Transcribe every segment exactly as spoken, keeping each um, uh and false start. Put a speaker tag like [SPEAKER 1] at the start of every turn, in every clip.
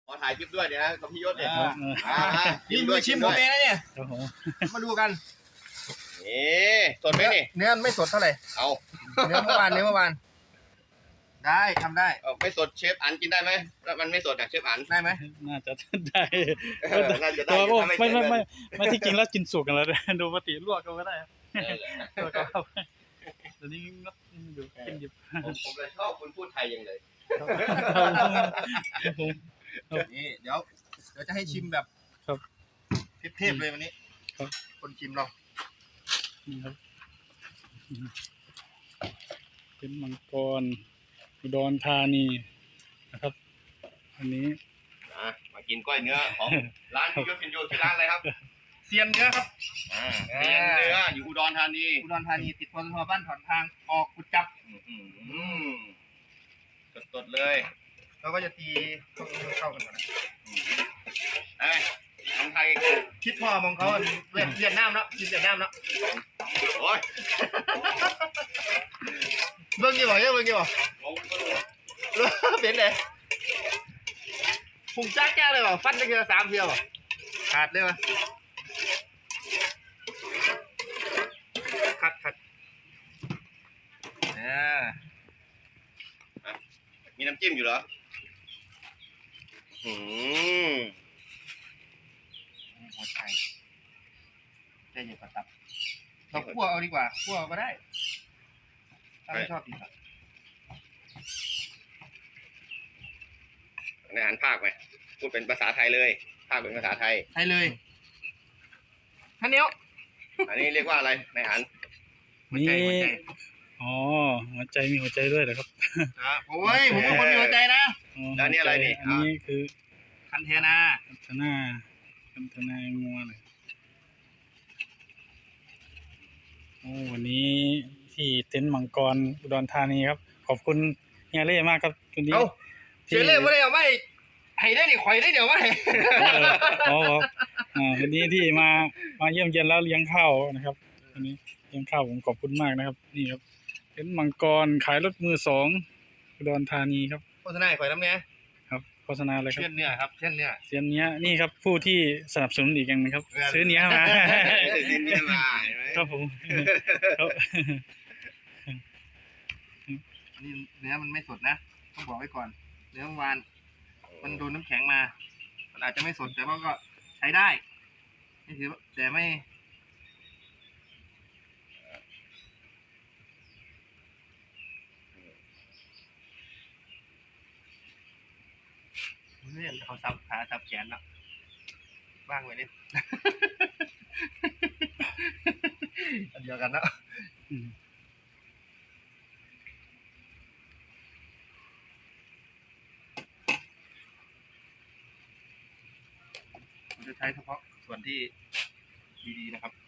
[SPEAKER 1] อถ่ายคลิปด้วยเนี่ยนะกับพี่ยศเนี่ย
[SPEAKER 2] นี่มือชิมผมเองนะเนี่ยมาดูกัน
[SPEAKER 1] นี่สดไหมนี่
[SPEAKER 2] เนื้อไม่สดเท่าไหร่
[SPEAKER 1] เอา
[SPEAKER 2] เนื้อเมื่อวานเนื้อเมื่อวานได้ทำได้
[SPEAKER 1] ไม่สดเชฟอันกินได้ไหมแล้วมันไม่สดอ่ะเชฟอัน
[SPEAKER 2] ได้ไหม
[SPEAKER 3] น่าจะได้
[SPEAKER 1] น่าจะได้
[SPEAKER 3] ไม่ไม่ไม่ไม่ที่จริงแล้วกินสุกกันแล้วดูปกติลวกก็ได้ลวกก็เดี๋ยวนี้งับดูกินดิบ
[SPEAKER 1] ผมเลยชอบคุณพูดไทยยังเลย
[SPEAKER 2] นี่เดี๋ยวเดี๋ยวจะให้ชิมแบบเทพๆเลยวันนี้คนชิมเรา
[SPEAKER 3] นี่ครับเป็นมังกรอุดรธานีนะครับอันนี้
[SPEAKER 1] มากินก้อยเนื้อของร้านพี่ยศพินโยชื่อร้านอะไรครับ
[SPEAKER 2] เซียนเนื้อครับ
[SPEAKER 1] เซียนเนื้ออยู่อุดรธานี
[SPEAKER 2] อุดรธานีติดปตทบ้านถอนทางออกกุดจับ
[SPEAKER 1] สดๆเลย
[SPEAKER 2] เราก็จะตีเข้ากันก่อนนะ
[SPEAKER 1] ไอ้ทางไทย
[SPEAKER 2] คิดพ่อมองเขาเวียดเวียดนามเนาะคิดเวียดนามเนาะ
[SPEAKER 1] โอ้ย
[SPEAKER 2] เบิ่งกี่บ่เนี่ยเบิ่งกี่บ่เป็นเลยพุ่งจ้าแก้เลยบ่ฟันได้แค่สามเที่ยวบ่ขาดเลยบ่ขัดขัดเนี่ย
[SPEAKER 1] มีน้ำจิ้มอยู่เหรออืม
[SPEAKER 2] หัวใจใจเย็นกว่าตับเราคั่วเอาดีกว่าคั่วก็ได้ถ้าไม่ชอบกินแบบ
[SPEAKER 1] ในอาหารภาคไหมพูดเป็นภาษาไทยเลยภาคเป็นภาษาไทย
[SPEAKER 2] ไทยเลยท่านเนี้ย
[SPEAKER 1] อันนี้เรียกว่าอะไรในอาหาร
[SPEAKER 3] นี่อ๋อหัวใจมีหัวใจด้วยเหรอครับ
[SPEAKER 2] โอ้ยผมเป็นคนมีหัวใจนะ
[SPEAKER 1] แล้วนี่อะไรนี่
[SPEAKER 3] อันนี้คือ
[SPEAKER 2] คันเทนา
[SPEAKER 3] คันเทนาคันเทนางัวเลยโอ้วันนี้ที่เต็นท์มังกรอุดรธานีครับขอบคุณเฮียเล่มากครับวันนี้
[SPEAKER 2] เฮียเล่ไม่ได้เอาไม่ให้ได้ดิข่อยได้เดี๋ยวไม่
[SPEAKER 3] อ๋ออ่าวันนี้ที่มามาเยี่ยมเยียนแล้วเลี้ยงข้าวนะครับวันนี้เลี้ยงข้าวผมขอบคุณมากนะครับนี่ครับเต็นท์มังกรขายรถมือสองอุดรธานีครับ
[SPEAKER 2] โฆษณาข่อยน้ำเนี้ย
[SPEAKER 3] ครับโฆษณาเลยครับ
[SPEAKER 2] เช่นเนี้ยครับเช่นเนี้ย
[SPEAKER 3] เช่นเนี้ยนี่ครับผู้ที่สนับสนุนอีกอย่างนึงครับซื้อเนี้ยมา
[SPEAKER 1] ซื้อเนี้ยมา
[SPEAKER 3] ครับผม
[SPEAKER 2] นี่เนื้อมันไม่สดนะต้องบอกไว้ก่อนเนื้อเมื่อวานมันโดนน้ำแข็งมามันอาจจะไม่สดแต่ว่าก็ใช้ได้นี่ถือแต่ไม่เรื่องเขาซับขาซับแขนเนาะบ้างไว้นิดอันเดียวกันเนาะผมจะใช้เฉพาะส่วนที่ดีๆนะครับ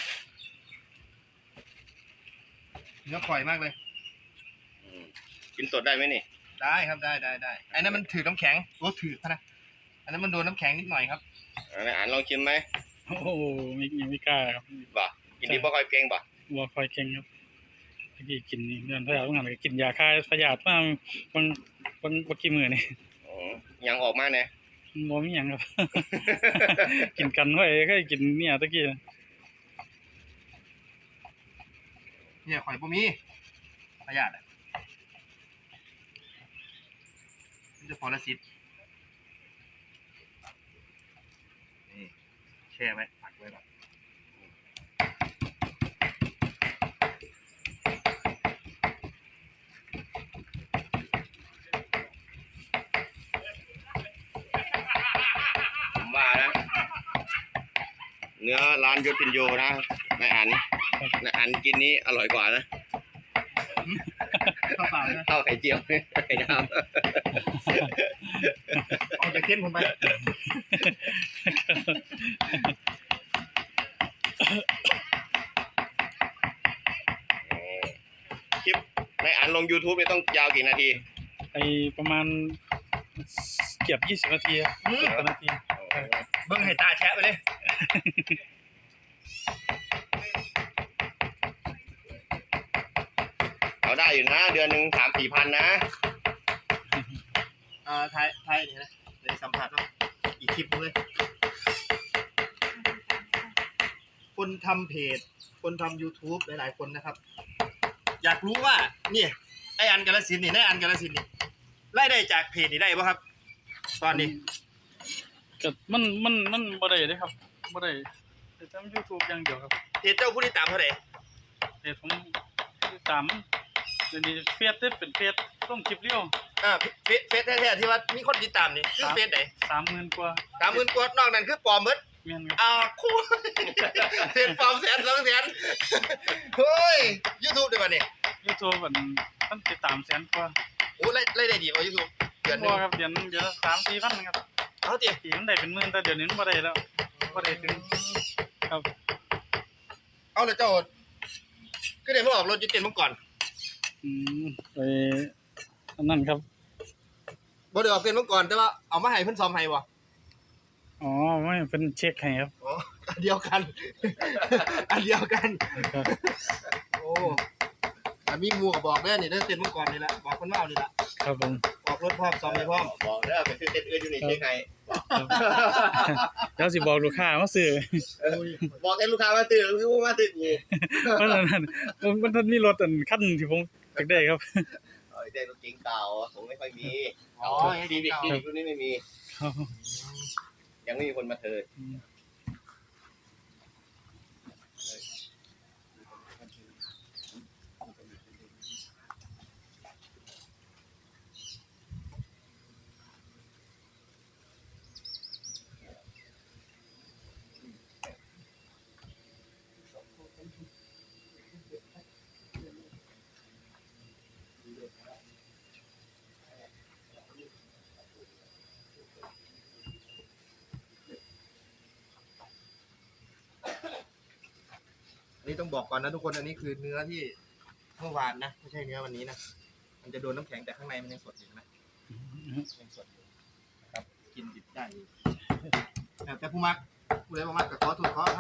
[SPEAKER 2] เนื้อปล่อยมากเลย
[SPEAKER 1] กินสดได้ไหมนี่
[SPEAKER 2] ได้ครับได้ได้ได้ไอ้นั้นมันถือน้ำแข็งโอ้ถือนะอันนั้นมันโดนน้ำแข็งนิดหน่อยครับ
[SPEAKER 1] อันอ่านลองชิมไหม
[SPEAKER 3] โอ้โหไม่ยังไม่กล้าครับ
[SPEAKER 1] บ่กินดีบ่ค่อยเก่งบ่
[SPEAKER 3] บ่ค่อยเก่งครับที่กินนี่เดือนพยาธิต้องหันไปกินยาฆ่าพยาธิมาบางบางบางกี่มื้อนี่
[SPEAKER 1] อ๋อยังออกมาเนี่ย
[SPEAKER 3] บ่มีหยังครับกินกันไว้เคยกินเนี่ยตะกี้
[SPEAKER 2] เนี่ยข่อยบ่มีพยาธิจะพอละสิบนี่แช่ไว้ผักไว้ก่อน
[SPEAKER 1] ผมว่านะเนื้อร้านยศพินโยนะในอันในอันกินนี้อร่อยกว่านะ
[SPEAKER 2] ข้าวเปล่านะ
[SPEAKER 1] ข้าวไข่เจียวไข่ดาว
[SPEAKER 2] เอาจากเส้นผมไป
[SPEAKER 1] คลิปในอันลง YouTube เนี่ยต้องยาวกี่นาที
[SPEAKER 3] ไอประมาณเกือบยี่สิบนาทีสิบนาที
[SPEAKER 2] เบิ้งให้ตาแชะไปเลย
[SPEAKER 1] เอาได้อยู่นะเดือนหนึ่งสามสี่พันนะ
[SPEAKER 2] อ่าไทยไทยนี่นะเลยสัมผัสว่าคลิปเลยคนทำเพจคนทำ YouTube หลายๆคนนะครับอยากรู้ว่าเนี่ยไออันกาลสินธุ์นี่ไออันกาลสินธุ์นี่ไล่ได้จากเพจนี่ได้ป่ะครับ ตอนนี้
[SPEAKER 3] ก็มันมันมันบ่ได้เด้ครับบ่ได้แต่ทำ YouTube อย่างเดียวครับ
[SPEAKER 2] เพจเจ้าผู้ติดตามเท่าไหร่
[SPEAKER 3] แต่ผมติดตามเดี๋ยวนี้เฟซได้เป็นเฟซต้องคลิปเรียว
[SPEAKER 2] อ่าเฟซเฟซแท้ๆที่ว่ามีคนติดตามนี่คือเฟซไหน
[SPEAKER 3] สามหมื่นกว่า
[SPEAKER 2] สามหมื่นกว่านอกนั้นคือปลอมหมด
[SPEAKER 3] แม่นครับ
[SPEAKER 2] อ่าคู่ เฟซปลอมแสนสองแสนเฮ้ย YouTube ได้ป่ะเนี่ย
[SPEAKER 3] YouTube มันมันติดตามแสนกว่า
[SPEAKER 2] โอ้ไล่ไล่ได้ดีกว่า YouTube เดือนหนึ
[SPEAKER 3] บ่
[SPEAKER 2] ง
[SPEAKER 3] ครับเดือนเดือนละสามสี่พันครับ
[SPEAKER 2] เอาติ
[SPEAKER 3] ปีมันได้เป็นหมื่นแต่เดี๋ยวนี้มันบ่ได้แล้วบ่ได้ถึงครับ
[SPEAKER 2] เอาเลยเจ้าก็ได้มาออกรถจุดเต็มเมื่อก่อน
[SPEAKER 3] อืมไปอันนั้นครับ
[SPEAKER 2] บ่ได้ออกเป็นเมื่อก่อนแต่ว่าเอามาให้เพิ่นซ่อมให้บ่
[SPEAKER 3] อ๋อไม่เป็นเช็คให้ครับ
[SPEAKER 2] อ๋ออันเดียวกัน อันเดียวกัน
[SPEAKER 3] ครับ
[SPEAKER 2] โอ้อันมีหมู่ก็บอกเด้อนี่เด้อเต็มเมื่อก่อนนี่ล่ะบอกเพิ่นว่าเอานี่ล่ะ
[SPEAKER 3] ครับผม
[SPEAKER 2] ออกรถพร้อมซ่อมให้พร้อม
[SPEAKER 1] บอกเด้อไปซื้อเต็นท์อื่นอยู่นี่เช็คให้
[SPEAKER 3] ครับ เดี๋ยวสิบอกลูกค้ามาซื้อ
[SPEAKER 1] บอกให้ลูกค้ามาซื้อหรือว่ามาซื้อกู
[SPEAKER 3] มันนั่นมันมันมีรถอันคันที่ผมอยากได้ครับ
[SPEAKER 1] เออได้รถเก๋งเก่าผมไม่ค่อยมี
[SPEAKER 2] อ๋อ
[SPEAKER 1] ซีวิก
[SPEAKER 2] เก่า
[SPEAKER 1] ซีวิกรุ่นนี้ไม่มี
[SPEAKER 3] ครับ
[SPEAKER 1] ยังไม่มีคนมาเทิร์น
[SPEAKER 2] อันนี้ต้องบอกก่อนนะทุกคนอันนี้คือเนื้อที่เมื่อวานนะไม่ใช่เนื้อวันนี้นะมันจะโดนน้ำแข็งแต่ข้างในมันยังสดอยู่นะยังสดอยู่นะครับกินดิบได้อยู่แต่ผู้มักผู้ใดบ่มักก็ขอโทษขอให้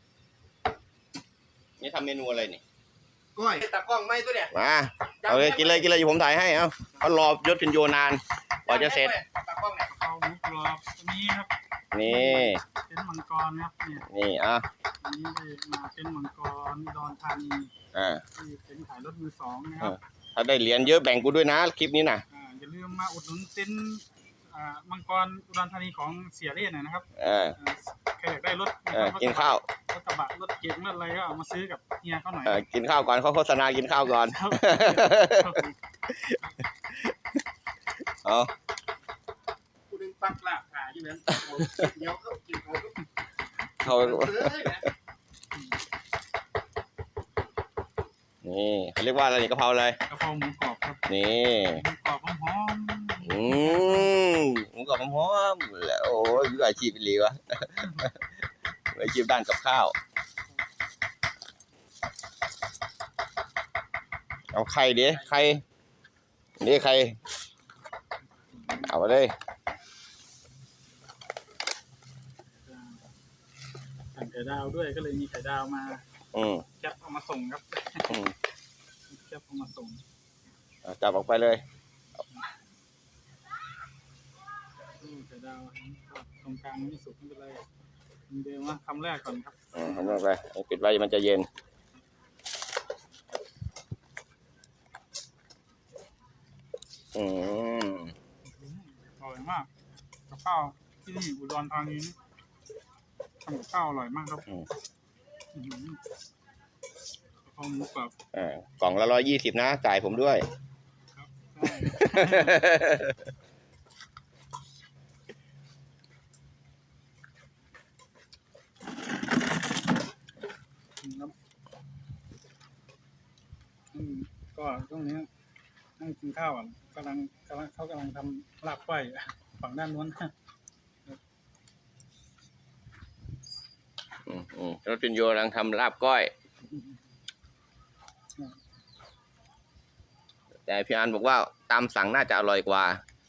[SPEAKER 1] นี่ทำเมนูอะไรนี่
[SPEAKER 2] ก้อยตากล้องไหมตัวเนี่ย
[SPEAKER 1] มาเอาเลยกินเลยกินเลยอยู่ผมถ่ายให้เอาเขารอยศพินโยนานกว่าจะเสร็จ
[SPEAKER 2] ตากล้องเนี่ย
[SPEAKER 3] เอาหมูกรอบตัวนี้ครับ
[SPEAKER 1] นี่
[SPEAKER 3] เป็นมังกรครับเนี่ย
[SPEAKER 1] นี่อ่ะ
[SPEAKER 3] อันนี้ได้มาเป็นมังกรดอนธานี
[SPEAKER 1] อ่า
[SPEAKER 3] ที่เป็นขายรถมือสองนะครับ
[SPEAKER 1] ถ้าได้เหรียญเยอะแบ่งกูด้วยนะคลิปนี้นะ
[SPEAKER 3] อ่าอย่าลืมมาอุดหนุนเต็นท์อ่ามังกรอุดรธานีของเสียเล่นหน่อยนะครับ
[SPEAKER 1] เออ
[SPEAKER 3] อ่าใครอยากได้รถ
[SPEAKER 1] เออกินข้าว
[SPEAKER 3] รถกระบะรถเก๋งรถอะไรก็เอามาซื้อกับเฮียเขาหน่อย
[SPEAKER 1] เออกินข้าวก่อนเขาโฆษณากินข้าวก่อน
[SPEAKER 3] ครับครับผม
[SPEAKER 1] เอา
[SPEAKER 2] กูดึงปักลากขาอยู่นั้นเดี๋ยวเขากินเขาก็
[SPEAKER 1] เขา
[SPEAKER 2] เอ้ยนะ
[SPEAKER 1] นี่เขาเรียกว่าอะไรนี่กะเพราอะไร
[SPEAKER 3] กะเพราหมูกรอบครับ
[SPEAKER 1] นี่
[SPEAKER 3] หมูกรอบหอม
[SPEAKER 1] อืมหมูกรอบหอมๆแล้วโอ้ยมืออาชีพเป็นลีวะ มืออาชีพด้านกับข้าว เอาไข่ดิไข่นี่ไข่เอามาเลย
[SPEAKER 3] ๆสั่งไข่ดาวด้วยก็เลยมีไข่ดาวมา
[SPEAKER 1] อืม
[SPEAKER 3] แคปเอามาส่งครับ
[SPEAKER 1] อืม
[SPEAKER 3] แคปเอามาส่ง
[SPEAKER 1] เอาจับออกไปเลย
[SPEAKER 3] อืมไข่ดาวตรงกลางไม่สุกไม่เป็นไรเดี๋ยวมาคำแรกก่อนครับ
[SPEAKER 1] อืมทำลงไปปิดไว้มันจะเย็น อืม
[SPEAKER 3] อร่อยมากกับข้าวที่นี่อุดรธานีนี่ทำกับข้าวอร่อยมากครับ
[SPEAKER 1] อืม
[SPEAKER 3] อื้อหือกะเพราหมูกรอบ
[SPEAKER 1] อ่ากล่องละร้อยยี่สิบนะจ่ายผมด้วย
[SPEAKER 3] ครับใช่ครับอืมก็ช่วงนี้นั่งกินข้าวอ่ะกำลังกำลังเขากำลังทำลาบก้อยฝั่งด้านนู้น
[SPEAKER 1] อืมอืมรถพินโยกำลังทำลาบก้อย แต่พี่อันบอกว่าตามสั่งน่าจะอร่อยกว่า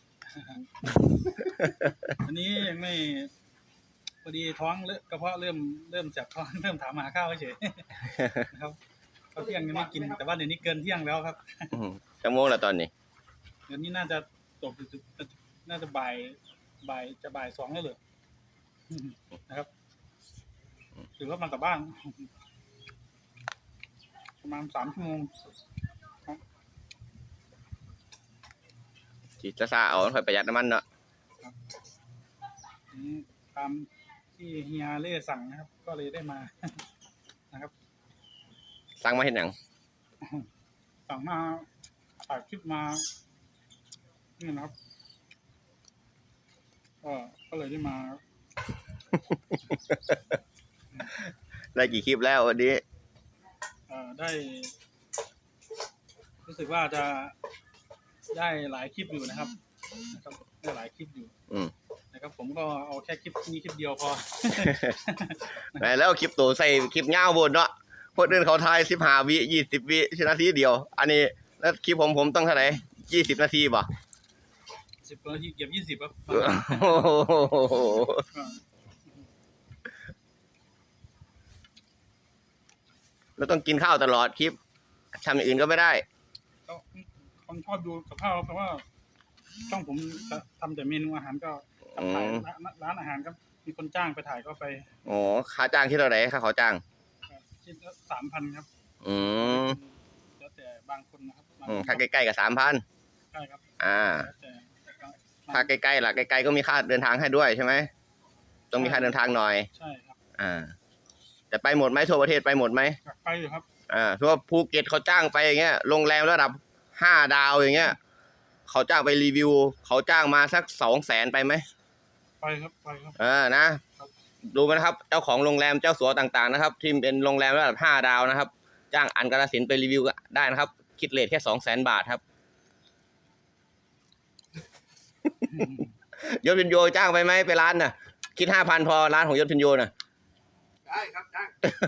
[SPEAKER 3] อันนี้ยังไม่พอดีท้องเริ่มกระเพาะเริ่มเริ่มจับท้อง เริ่มถามหาข้าวเฉย นะครับข้าวเที่ยงยังไม่กินแต่ว่าเดี๋ยวนี้เกินเที่ยงแล้วครับ
[SPEAKER 1] อืมชั่วโมงละตอนนี้
[SPEAKER 3] เดี๋ยวนี้น่าจะตกน่าจะบ่ายบ่ายจะบ่ายสองแล้วเหรอนะครับถือว่ามากลับบ้านประมาณสามชั่วโมง
[SPEAKER 1] จีจะซาเอาค่อยประหยัดน้ำมันเนาะ
[SPEAKER 3] นี่ตามที่เฮียเล่สั่งนะครับ ก็เลยได้มา นะครับ
[SPEAKER 1] สั่งมาเห็นหนัง
[SPEAKER 3] สั่งมาถ่ายคลิปมานี่นะครับก็ก็เลยได้มา
[SPEAKER 1] ได้กี่คลิปแล้ววันนี้
[SPEAKER 3] เอ่อได้ รู้สึกว่าจะได้หลายคลิปอยู่นะครับนะครับได้หลายคลิปอยู่
[SPEAKER 1] อืม
[SPEAKER 3] นะครับ ผมก็เอาแค่คลิปนี้คลิปเดียวพอ
[SPEAKER 1] แล้วคลิปตัวใส่คลิปเงาบนเนาะคนอื่นเขาทายสิบห้าวิยี่สิบวินาทีเดียว อันนี้แล้วคลิปผมผมต้องเท่าไหร่ยี่สิบนาทีป่ะ
[SPEAKER 3] สิบนาทีเก็บยี่สิบครับ
[SPEAKER 1] โอ้โหแล้วต้องกินข้าวตลอดคลิปทำอย่างอื่นก็ไม่ได้
[SPEAKER 3] ก็คนชอบดูกับข้าวเพราะว่าช่องผมจะทำแต่เมนูอาหารก็ถ่ายร้านร้านอาหารครับมีคนจ้างไปถ่ายก็ไป
[SPEAKER 1] โอ้ค่าจ้างที่เท่าไหร่ค่าเขาจ้าง
[SPEAKER 3] ชิ้นละสามพันครับ
[SPEAKER 1] อืม
[SPEAKER 3] แล้วแต่บางคนนะครับบาง
[SPEAKER 1] อืม
[SPEAKER 3] คน
[SPEAKER 1] ถ้าใกล้ๆกับสามพัน
[SPEAKER 3] ใช่ครับ
[SPEAKER 1] อ่า
[SPEAKER 3] แล้วแต่
[SPEAKER 1] ถ้าใกล้ๆล่ะใกล้ๆก็มีค่าเดินทางให้ด้วยใช่ไหมต้องมีค่าเดินทางหน่อย
[SPEAKER 3] ใช่ครับ
[SPEAKER 1] อ่า แต่ไปหมดไหมทั่วประเทศไปหมดไหม
[SPEAKER 3] อยากไปอยู่ครับ
[SPEAKER 1] อ่าทั่วภูเก็ตเขาจ้างไปอย่างเงี้ยโรงแรมระดับห้าดาวอย่างเงี้ยเขาจ้างไปรีวิว เขาจ้างมาสักสองแสนไปไหม
[SPEAKER 3] ไปครับไปครับ
[SPEAKER 1] เออนะ ดูไหมนะครับ เจ้าของโรงแรมเจ้าสัวต่างๆนะครับ ที่เป็นโรงแรมระดับห้าดาวนะครับ จ้างอันกาฬสินธุ์ไปรีวิวก็ได้นะครับ คิดเรทแค่สองแสนบาทครับ ยศพินโยจ้างไปไหมไปร้านน่ะ คิดห้าพันพอร้านของยศพินโยน่ะ
[SPEAKER 2] ได้ครับได้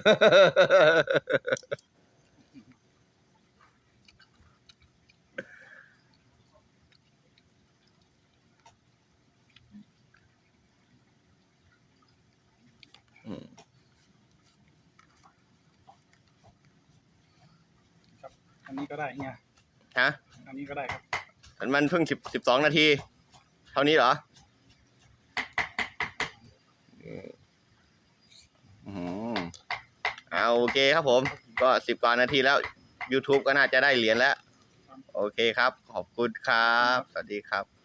[SPEAKER 3] อันนี้ก็ได้เฮีย
[SPEAKER 1] ฮะ
[SPEAKER 3] อันนี้ก็ได้ครับ
[SPEAKER 1] มันเพิ่งสิบสิบสองนาที เท่านี้เหรออืมเอาโอเคครับผม ก็สิบกว่านาทีแล้ว YouTube ก็น่าจะได้เหรียญแล้ว โอเคครับ ขอบคุณครับ สวัสดีครับ